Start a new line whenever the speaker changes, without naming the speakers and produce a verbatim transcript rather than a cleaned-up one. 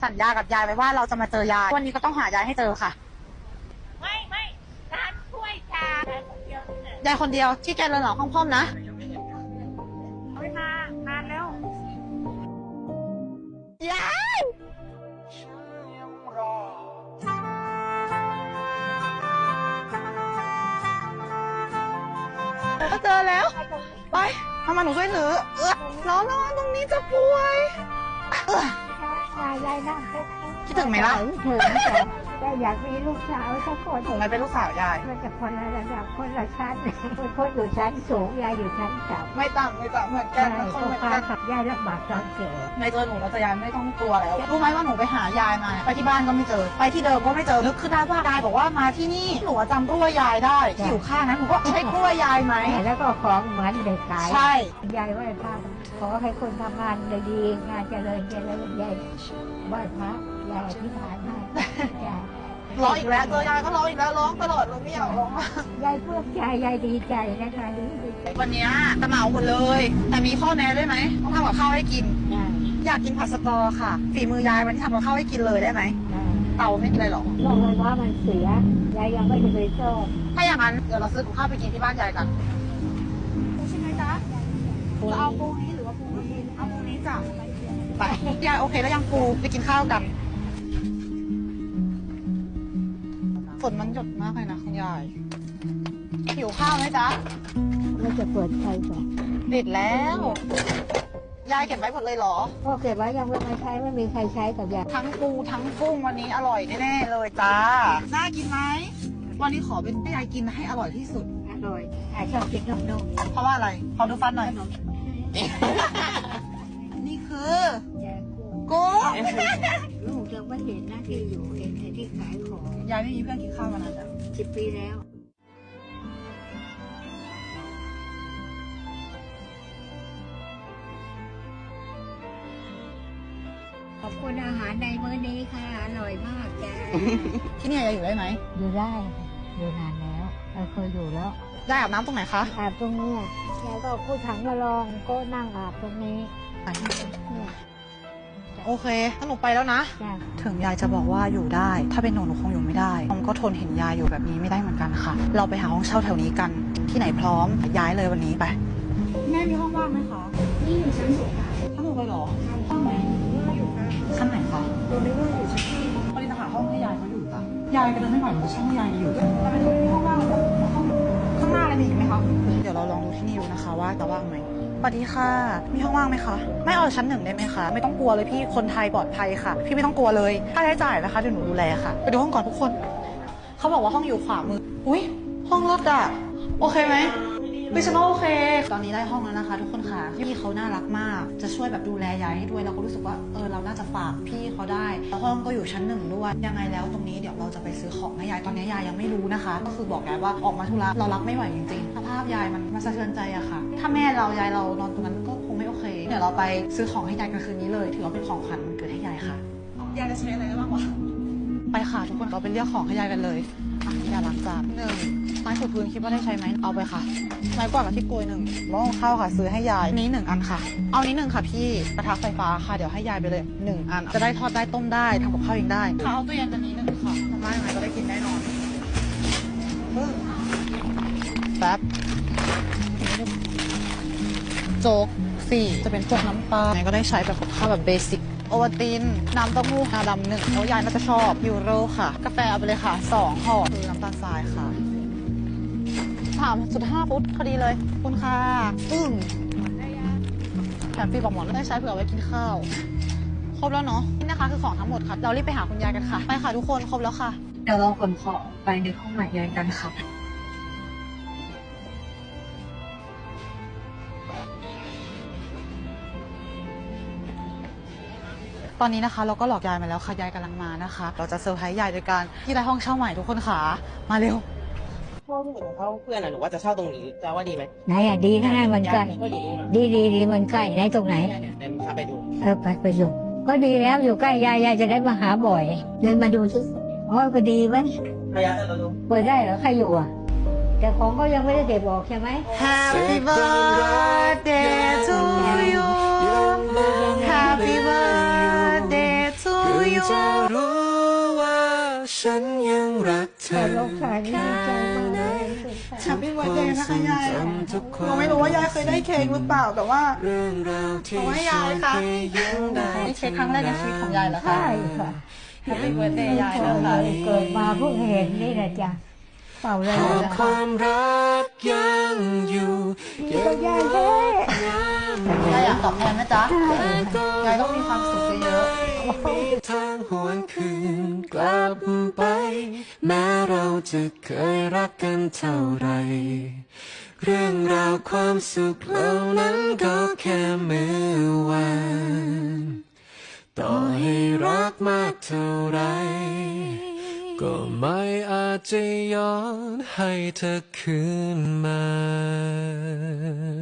สัญญากับยายไว้ว่าเราจะมาเจอยายวันนี้ก็ต้องหายายให้เจอค่ะ
ไม่ไม่ร้านถ้วยชายายคนเดียวย
ายคนเดียวที่แกเดินหลังห้องพ่อมนะ
ไม่มานานแล้ว
ยายก็เจอแล้วไปทำไมหนูช่วยถือเออร้อนร้อนตรงนี้จะป่วย
ยายยายนั่ง
คิดถึงไหมล่ะ
ถึงแต่อยากมีลูกสาวสักคน
ถึงไหมเป็นลูกสาวยาย
มันจะคนละระดับคนละชั้นคนอยู่ชั้นสูงยายอยู่ชั้นต่ำ
ไม่ต่ำไม่ต่ำเหมือนกัน
คนเหมือนกันขับยายลำบากตอนเกิด
ในเจอหนูแล้วจะยายไม่ต้องกลัวแล้วรู้ไหมว่าหนูไปหายายมาไปที่บ้านก็ไม่เจอไปที่เดิมก็ไม่เจอนึกขึ้นได้ว่ายายบอกว่ามาที่นี่หนูจำกล้วยยายได้ที่อยู่ข้างนั้นหนูก็ใช่กล้วยยายไหม
แล้วก็ของเหมือนเด็กขาย
ใช่
ยายไหว้พระขอให้คนทำงานดีงานเจริญเจริญยายไหว้พระยายอธิษฐานให้ยาย
ร้องอีกแล้วเจอยายก็ร้องอีกแล้วร้องตลอดเลยไม่อยากร้อง
ยายเพื่อใจยายดีใจนะคะดี
วันนี้จะเหมาหมดเลยแต่มีข้อแม้ด้วยไหมต้องทำกับข้าวให้กินอยากกินผัดสตอค่ะฝีมือยายวันนี้ทำกับข้าวให้กินเลยได้ไหมเตาไม่เป็นไรหรอก
บอกเลยว่ามันเสียยายยังไม่เคยชอบ
ถ้าอย่างนั้นเดี๋ยวเราซื้อกับข้าวไปกินที่บ้านยายกันปูใช่ไหมจ๊ะจะเอาปูนี้หรือว่าปูนี้เอาปูนี้จ้ะไปยายโอเคแล้วยังปูไปกินข้าวกันฝนมันหยดมากเลยนะคุณยายหิวข้าวไหมจ๊ะ
เราจะเปิดไฟก่อน
ติดแล้วยายเก็บไว้หมดเลยเหรอ
พ่อเก็บไว้ยังไม่มาใช้ไม่มีใครใช้กับยาย
ทั้งปูทั้งกุ้งวันนี้อร่อยแน่ๆเลยจ้าน่ากินไหมวันนี้ขอเป็นให้ยายกินให้อร่อยที่สุด
อร่อยยายชอบกินนมนม
เพราะว่าอะไรขอดูฟันหน่อยนี่คือกุ้ง
ลูกยังไม่เห็นหน้าที่อยู่เห็นแต่ที่ขายของ
ยายไม่มีเพื่อนกินข้าวมานานแล้ว
สิบปีแล้วขอบคุณอาหารในมื้อนี้ค่ะอร่อยมากจ้า
ที่นี่ยายอยู่ได้ไหม
อยู่ได้อยู่นานแล้วเราเคยอยู่แล้ว
ยายอาบน้ำตรงไหนคะ
อาบตรงนี้ยายก็พูดถังมาลองก็นั่งอาบตรงนี้
โอเคถ้าหนูไปแล้วนะถึงยายจะบอกว่าอยู่ได้ถ้าเป็นหนูหนูคงอยู่ไม่ได้ผมก็ทนเห็นยายอยู่แบบนี้ไม่ได้เหมือนกันค่ะเราไปหาห้องเช่าแถวนี้กันที่ไหนพร้อมย้ายเลยวันนี้ไปแม่มีห้องว่างไหมคะ
นี่อยู่ชั้นสูงค่ะ
ถ้าหนูไปหรอห้องไหน
อยู่ค่ะ
ชั้นไหนคะ
ดูไม่ว่าอยู่ชั้นที่
พอดีจะหาห้องให้ยายเขาอยู่จ้ะยายก็เดินไม่ไหวหนูจะช่างให้ยายอยู่แต่เป็นห้องว่างห้องข้างหน้าอะไรมีอีกไหมคะเดี๋ยวเราลองดูที่นี่ดูนะคะว่าจะว่างไหมสวัสดีค่ะมีห้องว่างไหมคะไม่เอาชั้นหนึ่งได้ไหมคะไม่ต้องกลัวเลยพี่คนไทยปลอดภัยค่ะพี่ไม่ต้องกลัวเลยค่าใช้จ่ายนะคะเดี๋ยวหนูดูแลค่ะไปดูห้องก่อนทุกคนเขาบอกว่าห้องอยู่ขวามืออุ้ยห้องรถอะโอเคไหมดิฉันว่าโอเคตอนนี้ได้ห้องแล้วนะคะทุกคนค่ะพี่เขาน่ารักมากจะช่วยแบบดูแลยายให้ด้วยเราก็รู้สึกว่าเออเราน่าจะฝากพี่เขาได้แล้วห้องก็อยู่ชั้นหนึ่งด้วยยังไงแล้วตรงนี้เดี๋ยวเราจะไปซื้อของให้ยายตอนนี้ยายยังไม่รู้นะคะก็คือบอกยายว่าออกมาธุระเรารับไม่ไหวจริงๆสภาพยายมันมาสะเทือนใจอะค่ะถ้าแม่เรายายเรานอนตรงนั้นก็คงไม่โอเคเดี๋ยวเราไปซื้อของให้ยายกันคืนนี้เลยถือว่าเป็นของขวัญวันเกิดให้ยายค่ะยายจะใช้อะไรได้บ้างวะไปค่ะทุกคนเราไปเลือกของให้ยายกันเลยอ่ะยาล้างจานหนึ่งไม้ถูพื้นคิดว่าได้ใช้ไหมเอาไปค่ะไม้กวาดกับที่โกยหนึ่งหม้อข้าวค่ะซื้อให้ยายนี้หนึ่งอันค่ะเอานี้หนึ่งค่ะพี่กระทะไฟฟ้าค่ะเดี๋ยวให้ยายไปเลยหนึ่งอันจะได้ทอดได้ต้มได้ทำกับข้าวเองได้ค่ะเอาตู้เย็นอันนี้หนึ่งค่ะทำไมยังไงก็ได้กินแน่นอนแป๊บโจ๊กสี่จะเป็นพวกน้ำปลาไหนก็ได้ใช้แบบกับข้าวแบบเบสิกโอวัลตินน้ำเต้าหู้งาดำหนึ่งแล้วยายน่าจะชอบยูโรค่ะกาแฟเอาไปเลยค่ะสองห่อคือน้ำตาลทรายค่ะสามจุดห้าฟุตพอดีเลยคุณค่ะอึ้งแถมฟรีบอกหมอนได้ใช้เผื่อไว้กินข้าวครบแล้วเนาะนี่นะคะคือของทั้งหมดค่ะเรารีบไปหาคุณยายกันค่ะไปค่ะทุกคนครบแล้วค่ะ
เดี๋ยวเราขนของไปในห้องใหม่ยายกันค่ะ
ตอนนี้นะคะเราก็หลอกยายมาแล้วค่ะยายกำลังมานะคะเราจะเซอร์ไพรส์ยายโดยการที่ได้ห้องเช่าใหม่ทุกคนค่ะมาเร็ว
ห้องของเขาเพื่อนอะหนูว่าจะเช่าตรงนี้จะว่าดีไหม
ไหนอะดีข้างในมันใกล้ดีดีดีมันใกล้ไหนตรงไหน
เดินพาไปดู
เออไปไปดูก็ดีแล้วอยู่ใกล้ยายยายจะได้มาหาบ่อยเดินมาดูซิอ๋อก็ดีไหม
พยายามจะดู
เปิดได้เหรอใครอยู่อ่ะแต่ของก็ยังไม่ได้เก็บออกใช่ไหม
Happy birthday to you Happy birthday to you อยู่
จะรู้ว่าฉันยังรักเธ
แต่
อ
ลูกชายนี่ดีใจมากเลย
แฮปปี้วันเดย์นะคะยาย
จำทุกควา
เราไม่รู้ว่ายายเคยได้เค้กหรือเปล่าแต่ว่า
เรื่องราวที่
เอาไว้ยายค่ะ
ช่วยให้ยิ้มได้
นี่เค้กครั้งแรกในชีวิตของยายเหรอคะ
ใช่ค่ะ
แฮปปี้วันเดย์ยาย
เ
นะคะ
เกิดมาเพิ่งเห็นนี่นะจ๊ะเป่าเลย
หาก
นะ
ค
คะ
วามรักยังอยู่
ดีกับยายแท้
ยายอยากตอบแทนนะจ๊ะยายต้องมีความสุขเยอะ
มีทางหวนคืนกลับไป แม้เราจะเคยรักกันเท่าไร เรื่องราวความสุขเหล่านั้นก็แค่เมื่อวานต่อให้รักมากเท่าไร ก็ไม่อาจจะย้อนให้เธอคืนมา